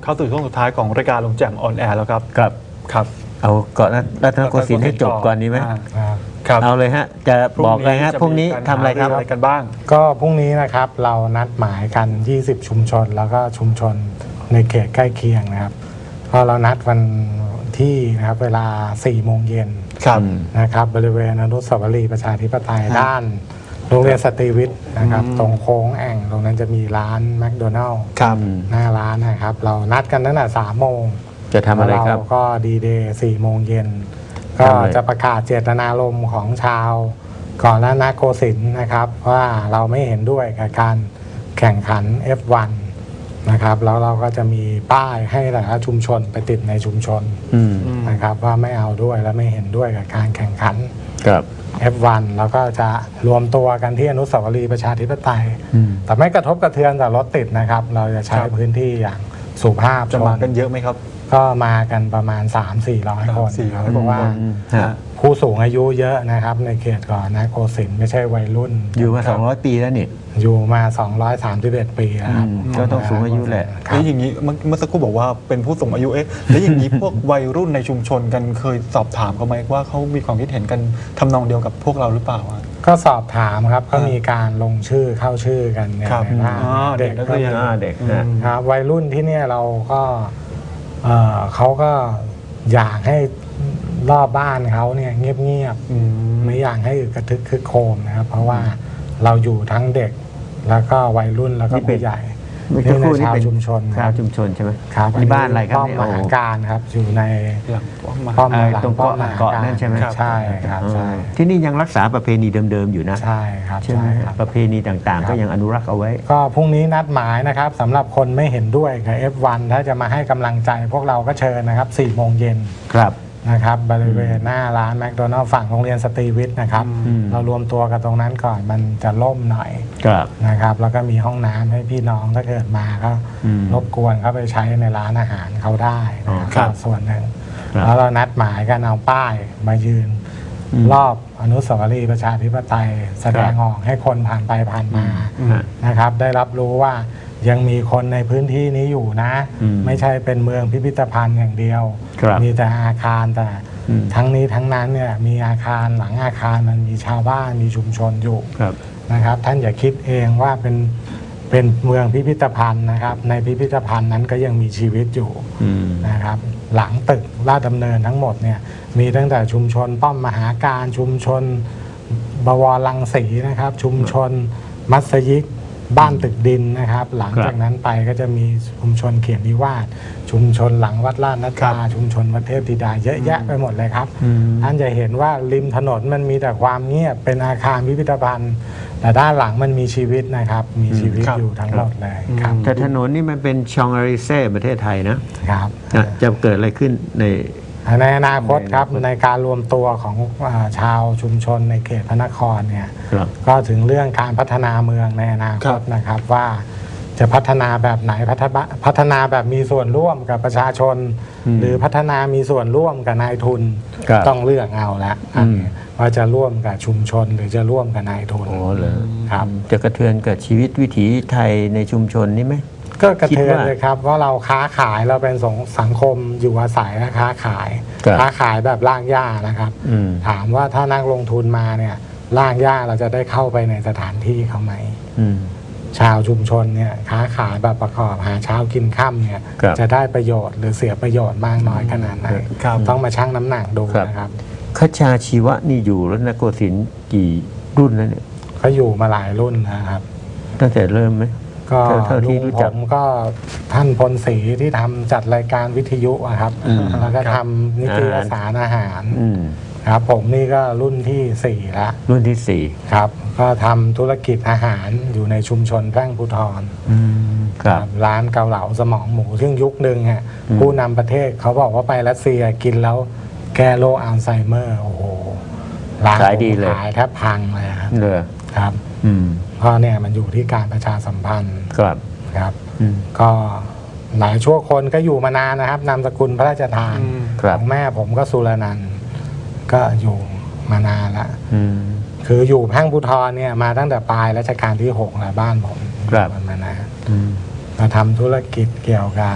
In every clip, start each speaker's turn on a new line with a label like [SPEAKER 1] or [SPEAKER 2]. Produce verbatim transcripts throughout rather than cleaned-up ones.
[SPEAKER 1] เข้าสู่ช่วงสุดท้ายของรายการลงแจ่มออนแอร์แล้วครับ
[SPEAKER 2] ครับ
[SPEAKER 1] ครับ
[SPEAKER 2] เอาเกาะรัตนโกสินทร์ให้จบก่อนนี้ไหม
[SPEAKER 1] ครับ
[SPEAKER 2] เอาเลยฮะจะบอกเลยฮะพรุ่งนี้ทำอะไรครับ
[SPEAKER 1] อะไรกันบ้าง
[SPEAKER 3] ก็พรุ่งนี้นะครับเรานัดหมายกัน ยี่สิบ ชุมชน แล้วก็ชุมชนในเขตใกล้เคียงนะครับพอเรานัดวันที่นะครับเวลา สี่โมงเย็น
[SPEAKER 1] ครับ
[SPEAKER 3] นะครับบริเวณอนุสาวรีย์ประชาธิปไตยด้านโรงเรียนสตรีวิทย์นะครับ
[SPEAKER 1] อืม
[SPEAKER 3] ตรงโค้งแอ่งตรงนั้นจะมีร้านแมคโดนัลล์
[SPEAKER 1] ครับ
[SPEAKER 3] หน้าร้านนะครับ เรานัดกันตั้งแต่สามโมง
[SPEAKER 2] จะทำอะไรครับ
[SPEAKER 3] เราก็ดีเดย์สี่โมงเย็นก็
[SPEAKER 2] ทำอะไร
[SPEAKER 3] จะประกาศเจตนารมณ์ของชาวก่อนรัตนโกสินทร์นะครับว่าเราไม่เห็นด้วยกับการแข่งขัน เอฟ วัน นะครับแล้วเราก็จะมีป้ายให้แต่ละชุมชนไปติดในชุมชน
[SPEAKER 2] อืม
[SPEAKER 3] นะครับว่าไม่เอาด้วยและไม่เห็นด้วยกับการแข่งขัน
[SPEAKER 2] ครับ
[SPEAKER 3] เอฟ วัน แล้วก็จะรวมตัวกันที่อนุสาวรีย์ประชาธิปไตย
[SPEAKER 2] อืม
[SPEAKER 3] แต่ไม่กระทบกระเทือนแต่รถติดนะครับ เราจะใช้
[SPEAKER 1] ครับ
[SPEAKER 3] พื้นที่อย่างสุภาพ
[SPEAKER 1] จะมา
[SPEAKER 3] ช
[SPEAKER 1] กันเยอะไหมครับ
[SPEAKER 3] ก็มากันประมาณ สามสี่ร้อย คน
[SPEAKER 1] สี่ร้อย
[SPEAKER 3] เพราะว่า
[SPEAKER 2] อืมฮะ
[SPEAKER 3] ผู้สูงอายุเยอะนะครับ ในเขตก่อนนะโกสินทร์ไม่ใช่วัยรุ่น
[SPEAKER 2] อยู่มาสองร้อยปีแล้วนี่
[SPEAKER 3] อยู่มา สองร้อยสามสิบเอ็ด ปีนะครับ
[SPEAKER 2] อืมก็ต้องสูงอายุแหละ
[SPEAKER 3] ครั
[SPEAKER 1] แล้
[SPEAKER 3] บ
[SPEAKER 1] วอย่างนี้เมื่อเมื่อสักครู่บอกว่าเป็นผู้สูงอายุเอ๊ะแล้วอย่างนี้พวกวัยรุ่นในชุมชนกันเคยสอบถามเขาไหมว่าเขามีความคิดเห็นกันทำนองเดียวกับพวกเราหรือเปล่าอะ
[SPEAKER 3] ก็สอบถามครับก็มีการลงชื่อเข้าชื่อกันเนี่ย
[SPEAKER 1] ครับ
[SPEAKER 3] ในบ้าน
[SPEAKER 1] อ๋อเด็
[SPEAKER 3] เด็
[SPEAKER 1] ก
[SPEAKER 3] ก
[SPEAKER 1] นัก
[SPEAKER 3] ก็
[SPEAKER 1] เรียน
[SPEAKER 3] มี
[SPEAKER 2] อ่าเด็กนะ
[SPEAKER 3] ครับวัยรุ่นที่เนี่ยเราก็เอ่อเขาก็อยากให้รอบบ้านเขาเนี่ยเงียบ
[SPEAKER 1] อืม
[SPEAKER 3] ๆไม่อยากให้อึกกระทึกคึกโครมนะครับ เพราะว่าเราอยู่ทั้งเด็กแล้วก็วัยรุ่นแล้วก็
[SPEAKER 2] นี่เป็น
[SPEAKER 3] ผู้ใหญ่
[SPEAKER 2] เมื่อสักครู่นี่
[SPEAKER 3] ชาว
[SPEAKER 2] เป็น
[SPEAKER 3] ชุมชน
[SPEAKER 2] ชาวชุมชนใช่ไหม
[SPEAKER 3] ครับ
[SPEAKER 2] นี่บ้านอะไรครับ
[SPEAKER 3] ป้อม
[SPEAKER 2] เนี่ย
[SPEAKER 3] ม
[SPEAKER 2] โอ้
[SPEAKER 3] หาการครับอยู่ใน
[SPEAKER 1] หลังป้อมมา
[SPEAKER 3] ป้อม
[SPEAKER 2] อ่า
[SPEAKER 3] หลัง
[SPEAKER 2] ตรง
[SPEAKER 3] ป้อ
[SPEAKER 2] เกาะ
[SPEAKER 3] มมหา
[SPEAKER 2] เกาะ
[SPEAKER 3] การ
[SPEAKER 2] นั่นใช่ไหม
[SPEAKER 3] ใช่ครับใช่
[SPEAKER 2] ที่นี่ยังรักษาประเพณีเดิมๆอยู่นะ
[SPEAKER 3] ใช่ครับ
[SPEAKER 2] ใช่ไหม
[SPEAKER 3] ใช่ครับ
[SPEAKER 2] ประเพณีต่างๆ ก็ยังอนุรักษ์เอาไว้
[SPEAKER 3] ก็พรุ่งนี้นัดหมายนะครับสำหรับคนไม่เห็นด้วยกับ เอฟ วัน ถ้าจะมาให้กำลังใจพวกเราก็เชิญนะครับสี่โมงเย็น
[SPEAKER 2] ครับ
[SPEAKER 3] นะครับบริเวณหน้าร้านแมคโดนัลล์ฝั่งโรงเรียนสตรีวิทย์นะครับ
[SPEAKER 2] อืม
[SPEAKER 3] เรารวมตัวกันตรงนั้นก่อนมันจะล่มหน่อย
[SPEAKER 2] ครับ
[SPEAKER 3] นะครับ แล้วก็มีห้องน้ำให้พี่น้องถ้าเกิดมาก็
[SPEAKER 2] อืม
[SPEAKER 3] รบกวนเข้าไปใช้ในร้านอาหารเขาได้นะ
[SPEAKER 2] อ๋อ
[SPEAKER 3] ค
[SPEAKER 2] ครั
[SPEAKER 3] รับบ ส่วนหนึ่ง
[SPEAKER 2] ครับ
[SPEAKER 3] แล้วเรานัดหมายกันเอาป้ายมายืน
[SPEAKER 2] อืม
[SPEAKER 3] รอบอนุสาวรีย์ประชาธิปไตย แสดง
[SPEAKER 2] ครับ
[SPEAKER 3] ออกให้คนผ่านไปผ่านมา
[SPEAKER 2] ฮะ
[SPEAKER 3] นะครับได้รับรู้ว่ายังมีคนในพื้นที่นี้อยู่นะ
[SPEAKER 2] อืม
[SPEAKER 3] ไม่ใช่เป็นเมืองพิพิธภัณฑ์อย่างเดียว
[SPEAKER 2] ครับ
[SPEAKER 3] มีแต่อาคารแต่
[SPEAKER 2] อืม
[SPEAKER 3] ทั้งนี้ทั้งนั้นเนี่ยมีอาคารหลังอาคารมันมีชาวบ้านมีชุมชนอยู่
[SPEAKER 2] ครับ
[SPEAKER 3] นะครับ ท่านอย่าคิดเองว่าเป็นเป็นเมืองพิพิธภัณฑ์นะครับ ในพิพิธภัณฑ์นั้นก็ยังมีชีวิตอยู่
[SPEAKER 2] อืม
[SPEAKER 3] นะครับ หลังตึกลาดดำเนินทั้งหมดเนี่ยมีตั้งแต่ชุมชนป้อมมหาการชุมชนบวรลังสีนะครับ ชุมชนมัสยิดบ้านตึกดินนะครับ หลัง
[SPEAKER 2] ครับ
[SPEAKER 3] จากนั้นไปก็จะมีชุมชนเขียนนิวาสชุมชนหลังวัดลาดนัด
[SPEAKER 1] ครั
[SPEAKER 3] ดา
[SPEAKER 1] บ
[SPEAKER 3] ชุมชนวัดเทพธิดาเยอะแยะไปหมดเลยครับ
[SPEAKER 2] อืม
[SPEAKER 3] ท่านจะเห็นว่าริมถนนมันมีแต่ความเงียบเป็นอาคารพิพิธภัณฑ์ แต่ด้านหลังมันมีชีวิตนะครับ มีชีวิต
[SPEAKER 1] ครับ
[SPEAKER 3] อยู่ทั้งหมดเลยครับ
[SPEAKER 2] แต่ถนนนี่มันเป็นชองอาริเซ่ประเทศไทยนะครับ อ่ะจะเกิดอะไรขึ้นใน
[SPEAKER 3] ในอนาคตครับ
[SPEAKER 2] ในอนาคต
[SPEAKER 3] ในการรวมตัวของอาชาวชุมชนในเขตพระนครเนี่ย
[SPEAKER 2] ครับ
[SPEAKER 3] ก็ถึงเรื่องการพัฒนาเมืองในอนาคตนะครับว่าจะพัฒนาแบบไหนพัฒนาพัฒนาแบบมีส่วนร่วมกับประชาชน
[SPEAKER 2] อืม
[SPEAKER 3] หรือพัฒนามีส่วนร่วมกับนายทุน
[SPEAKER 2] ครับ
[SPEAKER 3] ต้องเลือกเอาละอันนี้ว่าจะร่วมกับชุมชนหรือจะร่วมกับนายทุน
[SPEAKER 2] อ๋อเหรอ
[SPEAKER 3] ครับ
[SPEAKER 2] จะกระเทือนกับชีวิตวิถีไทยในชุมชนนี่ไหม
[SPEAKER 3] ก็กระเทือน
[SPEAKER 2] คิดว่า
[SPEAKER 3] เลยครับว่าเราค้าขายเราเป็นสงสังคมอยู่อาศัยและค้าขาย
[SPEAKER 2] ครับ
[SPEAKER 3] ค้าขายแบบลากหญ้านะครับ
[SPEAKER 2] อืม
[SPEAKER 3] ถามว่าถ้านักลงทุนมาเนี่ยลากหญ้าเราจะได้เข้าไปในสถานที่เขาไหม
[SPEAKER 2] อืม
[SPEAKER 3] ชาวชุมชนเนี่ยค้าขายแบบประกอบหาเช้ากินค่ำเนี่ย
[SPEAKER 2] ครับ
[SPEAKER 3] จะได้ประโยชน์หรือเสียประโยชน์มากน้อยขนาดไหน
[SPEAKER 1] ครับ
[SPEAKER 3] ต้องมาชั่งน้ำหนักดู
[SPEAKER 2] ครับ
[SPEAKER 3] นะครับ
[SPEAKER 2] คชาชีวะนี่อยู่รัตนโกสินทร์กี่รุ่นแล้วเนี่ย
[SPEAKER 3] เขาอยู่มาหลายรุ่นนะครับ
[SPEAKER 2] ตั้งแต่เริ่มไหม
[SPEAKER 3] ก็
[SPEAKER 2] เท่าเท่าที่
[SPEAKER 3] ลุง
[SPEAKER 2] รู้
[SPEAKER 3] ผ
[SPEAKER 2] จัก
[SPEAKER 3] มก็ท่านพลศรีที่ทำจัดรายการวิทยุอะครับ
[SPEAKER 2] อืม
[SPEAKER 3] แล้วก็
[SPEAKER 1] ครับ
[SPEAKER 3] ทำนิตยสารอาหาร
[SPEAKER 2] อืม
[SPEAKER 3] ครับ ผมนี่ก็รุ่นที่สี่แล้ว
[SPEAKER 2] รุ่นที่สี่
[SPEAKER 3] ครับ ก็ทำธุรกิจอาหารอยู่ในชุมชนแพร่งภูทร
[SPEAKER 2] อืมครับ
[SPEAKER 3] ร้านเกาเหลาสมองหมู ซึ่งยุคหนึ่งฮะ
[SPEAKER 2] อืม
[SPEAKER 3] ผู้นำประเทศเขาบอกว่าไปรัสเซียกินแล้วแก้โรคอัลไซเมอร์ โอ้โหร้าน
[SPEAKER 2] ขายดีเลย
[SPEAKER 3] ขายแทบพังเลยครับ
[SPEAKER 2] เลย
[SPEAKER 3] ครับ
[SPEAKER 2] อืม
[SPEAKER 3] เพราะเนี่ยมันอยู่ที่การประชาสัมพันธ์
[SPEAKER 2] ครับ
[SPEAKER 3] ครับ
[SPEAKER 2] อืม
[SPEAKER 3] ก็หลายชั่วคนก็อยู่มานานนะครับนามสกุลพระราชทาน
[SPEAKER 1] อืม
[SPEAKER 2] ครั
[SPEAKER 3] ข
[SPEAKER 2] บ
[SPEAKER 3] องแม่ผมก็สุรนันท์ก็อยู่มานานละ
[SPEAKER 2] อืม
[SPEAKER 3] คืออยู่แพร่งภูทรเนี่ยมาตั้งแต่ปลายรัชกาลที่หกแล้วบ้านผม
[SPEAKER 2] ครับ
[SPEAKER 3] อยู่มานาน
[SPEAKER 2] อืม
[SPEAKER 3] มาทำธุรกิจเกี่ยวกับ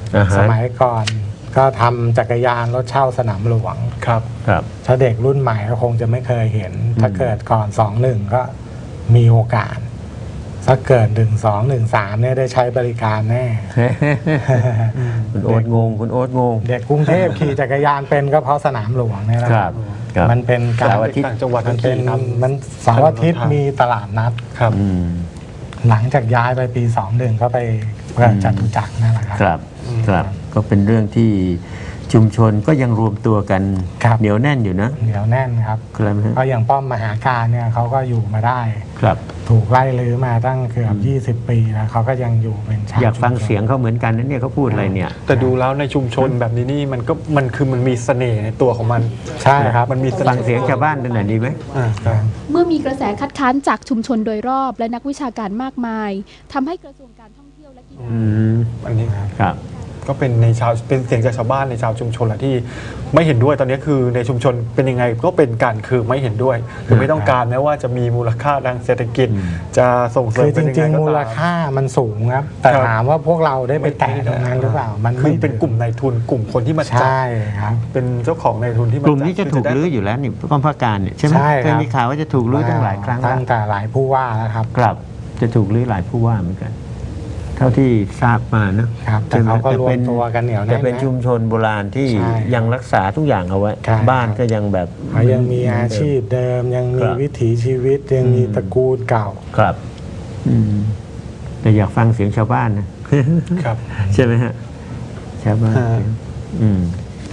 [SPEAKER 2] อ่าฮะ
[SPEAKER 3] สมัยก่อนก็ทำจักรยานรถเช่าสนามหลวง
[SPEAKER 1] ครับ
[SPEAKER 2] ครับ
[SPEAKER 3] ถ้าเด็กรุ่นใหม่ก็คงจะไม่เคยเห็น ถ้าเกิดก่อนสองหนึ่งก็มีโอกาส ถ้าเกิดหนึ่งสองหนึ่งสามเนี่ยได้ใช้บริการแน่
[SPEAKER 2] คุณโอ๊ตงงคุณโอ๊ตงง
[SPEAKER 3] เด็กกรุงเทพขี่จักรยานเป็นก็เพราะสนามหลวงเนี่ยแหละ
[SPEAKER 2] ครับครับ
[SPEAKER 3] มันเป็นการ
[SPEAKER 2] เสาร์อาทิตย์
[SPEAKER 1] ต่างจังหวัด
[SPEAKER 3] มันเป็น
[SPEAKER 1] ขี่ครับ
[SPEAKER 3] มันเสาร์อาทิตย์มีตลาดนัด
[SPEAKER 1] ครับ
[SPEAKER 2] อืม
[SPEAKER 3] หลังจากย้ายไปปีสองหนึ่งก็ไปเพื่อจตุจักรนั่นแหละครับ
[SPEAKER 2] ครับครับก็เป็นเรื่องที่ชุมชนก็ยังรวมตัวกัน
[SPEAKER 3] ครับ
[SPEAKER 2] เหนียวแน่นอยู่นะ
[SPEAKER 3] เหนียวแน่นครับ
[SPEAKER 2] ครับฮะ
[SPEAKER 3] เพราะอย่างป้อมมหาการเนี่ยเขาก็อยู่มาได้
[SPEAKER 2] ครับ
[SPEAKER 3] ถูกไล่ลื้อมาตั้งเกือบยี่สิบปีแล้วเขาก็ยังอยู่เป็นชาว
[SPEAKER 2] อยากฟัง
[SPEAKER 3] ชุมชน
[SPEAKER 2] เสียงเขาเหมือนกันนะเนี่ยเขาพูดอะไรเนี่ย
[SPEAKER 1] แต่ดูแล้วในชุมชนแบบนี้นี่มันก็มันคือมันมีเสน่ห์ในตัวของมัน
[SPEAKER 3] ใช่ครับ
[SPEAKER 1] มันมีเส
[SPEAKER 2] ฟั
[SPEAKER 1] น่
[SPEAKER 2] ง
[SPEAKER 1] ห์
[SPEAKER 2] เสียงชาวบ้านกันหน่อยดีไหม
[SPEAKER 1] อ่าครับ
[SPEAKER 4] เมื่อมีกระแสคัดค้านจากชุมชนโดยรอบและนักวิชาการมากมายทำให้กระทรวงการท่องเที่ยวและกีฬา
[SPEAKER 2] อืม
[SPEAKER 1] อันนี้ครับ
[SPEAKER 2] ครับ
[SPEAKER 1] ก็เป็นในชาวเป็นเสียงจากชาวบ้านในชาวชุมชนแหละที่ไม่เห็นด้วยตอนนี้คือในชุมชนเป็นยังไงก็เป็นการคือไม่เห็นด้วยคือไม่ต้องการแม้ว่าจะมีมูลค่าทางเศรษฐกิจ จะส่งเสริ
[SPEAKER 3] คื
[SPEAKER 1] ม
[SPEAKER 3] อจ
[SPEAKER 1] เป็นยัง
[SPEAKER 3] ริ
[SPEAKER 1] ไง
[SPEAKER 3] ง
[SPEAKER 1] ก็
[SPEAKER 3] ๆ มูล
[SPEAKER 1] ตาม
[SPEAKER 3] ค่ามันสูงครับ แต่
[SPEAKER 1] ครับ
[SPEAKER 3] ถามว่าพวกเราได้ไปแตะตรงนั้นหรือเปล่า มัน
[SPEAKER 1] คือ
[SPEAKER 3] ไม่
[SPEAKER 1] เป็นกลุ่มนายทุนกลุ่มคนที่มาจัด
[SPEAKER 3] ใช่ครับ
[SPEAKER 1] เป็นเจ้าของนายทุนที่มาก
[SPEAKER 2] ลุ่มนี้จะถูกลื้ออยู่แล้วนี่ป้อมพระการเนี่ยใช่ไหม
[SPEAKER 3] ใช่ครับ
[SPEAKER 2] เคยมีข่าวว่าจะถูกลื้อตั้งหลายครั้งแล้
[SPEAKER 3] ตั้
[SPEAKER 2] ว
[SPEAKER 3] งแต่หลายผู้ว่าแล้วครับ
[SPEAKER 2] ครับจะถูกลื้อหลายผู้ว่าเหมือนกัน เท่าที่ทราบมานะครับ
[SPEAKER 3] แต่เขาก็รวมตัวกันเหนียวแน่นนะ
[SPEAKER 2] แต่เป็นชุมชนโบราณที่
[SPEAKER 3] ใช่
[SPEAKER 2] ยังรักษาทุกอย่างเอาไว้
[SPEAKER 3] ใช่
[SPEAKER 2] บ้านก็ยังแบบ
[SPEAKER 3] เขายังมีอาชีพเดิม ยังมี
[SPEAKER 2] ครับ
[SPEAKER 3] วิถีชีวิตยังมีตระกูลเก่า
[SPEAKER 2] ครับอืมแต่อยากฟังเสียงชาวบ้านนะ
[SPEAKER 1] ครับ
[SPEAKER 2] ใช่ไหมฮะชาวบ้าน
[SPEAKER 1] ฮะ
[SPEAKER 2] อืม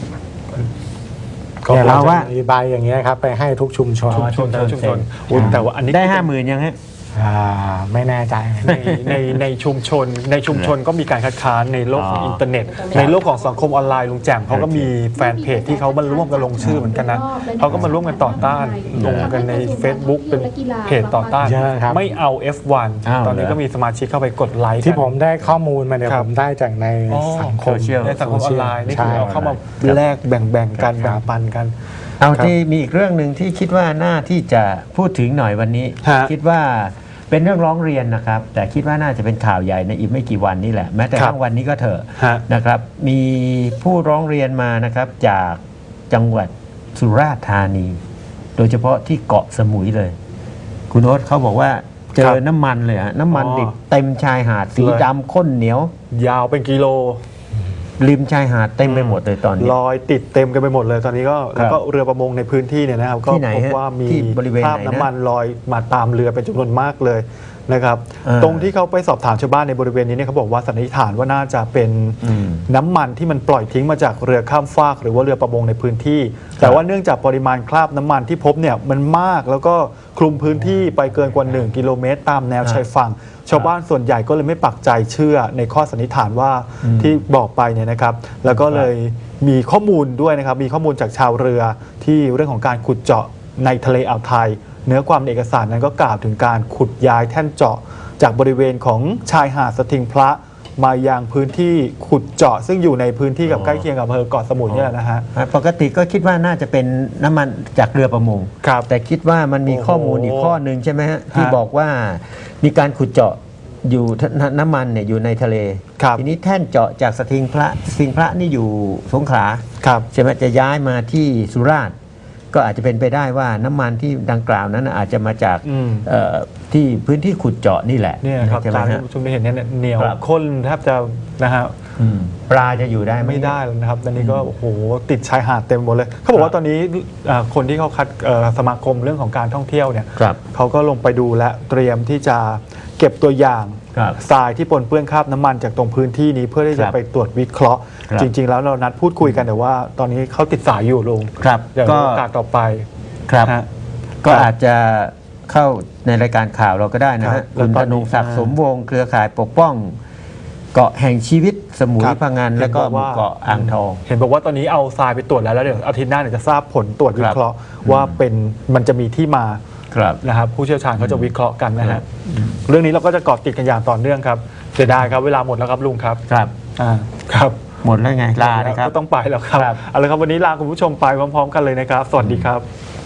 [SPEAKER 3] ก็เราว่ามีใบอย่างเงี้ยครับ ไปให้ทุกชุมชน
[SPEAKER 1] ชุมชนแต่ละชุมชนอุ๊ยแต่ว่าอันนี้
[SPEAKER 2] ได้ห้าหมื่นยังฮะ
[SPEAKER 3] อ่าไม่แน่ใจ
[SPEAKER 1] ในในในชุมชนในชุมชนก็มีการคัดค้านในโลกของ
[SPEAKER 2] อ๋ออิ
[SPEAKER 1] อินเทอร์เน็ต ในโลกของสังคมออนไลน์ลุงแจ่มเขาก็มีแฟนเพจที่เขามาร่วมกันลงชื่อเหมือนกันนะเขาก็มาร่วมกันต่อต้านลงกันใน Facebook เป็นเพจต่อต้าน
[SPEAKER 3] เยอะครับ
[SPEAKER 1] ไม่เอา เอฟ วัน
[SPEAKER 2] อ้าว
[SPEAKER 1] ตอนนี้
[SPEAKER 2] เหรอ
[SPEAKER 1] ก็มีสมาชิกเข้าไปกดไลค์กัน
[SPEAKER 3] ที่ผมได้ข้อมูลมาเนี่ย
[SPEAKER 1] ครับ
[SPEAKER 3] ผมได้จากใน
[SPEAKER 1] อ๋อ
[SPEAKER 3] สังคม
[SPEAKER 2] โซเชียล
[SPEAKER 1] ในสังคมออนไลน์นี่คือ
[SPEAKER 3] ใช่
[SPEAKER 1] เอาเข้ามาแลกแบ่งๆกัน
[SPEAKER 3] ค
[SPEAKER 1] แบ่
[SPEAKER 3] รั
[SPEAKER 1] ง
[SPEAKER 3] บ
[SPEAKER 1] ปันกัน
[SPEAKER 2] เอา
[SPEAKER 1] ครับ
[SPEAKER 2] ที่มีอีกเรื่องหนึ่งที่คิดว่าน่าที่จะพูดถึงหน่อยวันนี้
[SPEAKER 1] ฮะ
[SPEAKER 2] คิดว่าเป็นเรื่องร้องเรียนนะครับ แต่คิดว่าน่าจะเป็นข่าวใหญ่ในอีกไม่กี่วันนี้แหละแม้แต่
[SPEAKER 1] ครับ
[SPEAKER 2] ทั้งวันนี้ก็เถอะ
[SPEAKER 1] ฮะ
[SPEAKER 2] นะครับ มีผู้ร้องเรียนมานะครับจากจังหวัดสุราษฎร์ธานี โดยเฉพาะที่เกาะสมุยเลย คุณโอ๊ตเขาบอกว่าเจ
[SPEAKER 1] ครั
[SPEAKER 2] อบ น้ำมันเลยฮะน้ำมัน
[SPEAKER 1] อ๋อ
[SPEAKER 2] ดิบเต็มชายหาดสี
[SPEAKER 1] เลย
[SPEAKER 2] ดำข้นเหนียว
[SPEAKER 1] ยาวเป็นกิโล
[SPEAKER 2] ริมชายหาดเต็มไปหมดเลยตอนนี้
[SPEAKER 1] ลอยติดเต็มกันไปหมดเลยตอนนี้ก็
[SPEAKER 2] ครับ
[SPEAKER 1] แล้วก็เรือประมงในพื้นที่เนี่ยนะครับก็
[SPEAKER 2] ที่ไหน
[SPEAKER 1] พบ
[SPEAKER 2] ฮะ
[SPEAKER 1] ว่ามี
[SPEAKER 2] ที่บริเวณ
[SPEAKER 1] คราบ
[SPEAKER 2] ไหนนะ
[SPEAKER 1] น้ำมันลอยมาตามเรือเป็นจำนวนมากเลยนะครับ
[SPEAKER 2] อ่า
[SPEAKER 1] ตรงที่เขาไปสอบถามชาวบ้านในบริเวณนี้เนี่ยเขาบอกว่าสันนิษฐานว่าน่าจะเป็น
[SPEAKER 2] อืม
[SPEAKER 1] น้ำมันที่มันปล่อยทิ้งมาจากเรือข้ามฟาก หรือว่าเรือประมงในพื้นที่ แต่ว่าเนื่องจากปริมาณคราบน้ำมันที่พบเนี่ยมันมากแล้วก็คลุมพื้นที่ไปเกินกว่าหนึ่งกิโลเมตรตามแนวชายฝั่ง ชาวบ้านส่วนใหญ่ก็เลยไม่ปักใจเชื่อในข้อสันนิษฐานว่า
[SPEAKER 2] อืม
[SPEAKER 1] ที่บอกไปเนี่ยนะครับ แล้วก็เลยมีข้อมูลด้วยนะครับ มีข้อมูลจากชาวเรือที่เรื่องของการขุดเจาะในทะเลอ่าวไทย เนื้อความในเอกสารนั้นก็กล่าวถึงการขุดย้ายแท่นเจาะ จากบริเวณของชายหาดสทิงพระมายังพื้นที่ขุดเจาะ ซึ่งอยู่ในพื้นที่กับ
[SPEAKER 2] อ๋อ
[SPEAKER 1] ใกล้เคียงกับอำเภอเกาะสมุยเนี่ยแหละนะฮะ
[SPEAKER 2] ปกติก็คิดว่าน่าจะเป็นน้ำมันจากเรือประมง
[SPEAKER 1] ครับ
[SPEAKER 2] แต่คิดว่ามันมี
[SPEAKER 1] โอ้โห
[SPEAKER 2] ข้อมูลอีกข้อหนึ่งใช่ไหมฮะที่
[SPEAKER 1] ฮะ
[SPEAKER 2] บอกว่ามีการขุดเจาะอยู่นน้ำมันเนี่ยอยู่ในทะเล
[SPEAKER 1] ครับ
[SPEAKER 2] ทีนี้แท่นเจาะจากสทิงพระสทิงพระนี่อยู่สงขลา
[SPEAKER 1] ครับ
[SPEAKER 2] ใช่ไหมจะย้ายมาที่สุราษฎร์ก็อาจจะเป็นไปได้ว่าน้ำมันที่ดังกล่าวนั้นอาจจะมาจาก
[SPEAKER 1] อืม
[SPEAKER 2] เอ่อที่พื้นที่ขุดเจาะนี่แหละ
[SPEAKER 1] เนี่ยครับ
[SPEAKER 2] ใช่ไหม
[SPEAKER 1] ตามที่
[SPEAKER 2] ฮะ
[SPEAKER 1] คุณผู้ชมได้เห็นเนี่ยเหนียว
[SPEAKER 2] ครับ
[SPEAKER 1] ข้นแทบจะนะฮะ
[SPEAKER 2] อืมปลาจะอยู่ได้ห
[SPEAKER 1] ไม่ได้แล้วนะครับตอนนี้ก็โอ้โหติดชายหาดเต็มหมดเลย เขาบอกว่าตอนนี้อ่าคนที่เขาคัดเอ่อสมาคมเรื่องของการท่องเที่ยวเนี่ย
[SPEAKER 2] ครับ
[SPEAKER 1] เขาก็ลงไปดูและเตรียมที่จะเก็บตัวอย่าง
[SPEAKER 2] ครับ
[SPEAKER 1] ทรายที่ปนเปื้อนคราบน้ำมันจากตรงพื้นที่นี้เพื่อที่
[SPEAKER 2] ค
[SPEAKER 1] จะ
[SPEAKER 2] รับ
[SPEAKER 1] ไปตรวจวิเคราะห์
[SPEAKER 2] ครับ
[SPEAKER 1] จริง ๆ แล้วเรานัดพูดคุยกันแต่ว่า ตอนนี้เขาติดสายอยู่ลุง
[SPEAKER 2] ครับ
[SPEAKER 1] เดี๋ยว
[SPEAKER 2] ก็
[SPEAKER 1] โอกาสต่อไป
[SPEAKER 2] ครับ
[SPEAKER 1] ฮะ
[SPEAKER 2] ก็
[SPEAKER 1] ครับ
[SPEAKER 2] อาจจะเข้าในรายการข่าวเราก็ได้นะ
[SPEAKER 1] ครั
[SPEAKER 2] ฮะ
[SPEAKER 1] บ
[SPEAKER 2] คุณ
[SPEAKER 1] แล้วต
[SPEAKER 2] ธ
[SPEAKER 1] อนนี้
[SPEAKER 2] นงศักดิ์
[SPEAKER 1] อ่า
[SPEAKER 2] สมวงศ์เครือข่ายปกป้อง เกาะแห่งชีวิตสมุย
[SPEAKER 1] ครับ
[SPEAKER 2] พังงาน
[SPEAKER 1] เห็น
[SPEAKER 2] แล้วก็
[SPEAKER 1] บอก
[SPEAKER 2] หมู่
[SPEAKER 1] ว่า
[SPEAKER 2] เกาะอ่างทอง
[SPEAKER 1] เห็นบอกว่าตอนนี้เอาทรายไปตรวจแล้วแล้วเดี๋ยวอาทิตย์หน้าเดี๋ยวจะทราบผลตรวจวิเคราะห์ว่าเป็นมันจะมีที่มา
[SPEAKER 2] ครับ
[SPEAKER 1] นะครับผู้เชี่ยวชาญเขาจะวิเคราะห์กันนะฮะเรื่องนี้เราก็จะเกาะติดกันอย่างต่อเนื่องครับเสียดายครับเวลาหมดแล้วครับลุงครับ
[SPEAKER 2] ครับ
[SPEAKER 1] อ่าครับ
[SPEAKER 2] หมดแล้วไง ลาเลยครับ
[SPEAKER 1] ก็ต้องไปแล้วครับ
[SPEAKER 2] ครับ
[SPEAKER 1] เอาละครับวันนี้ลาคุณผู้ชมไปพร้อมๆกันเลยนะครับ สวัสดีครับ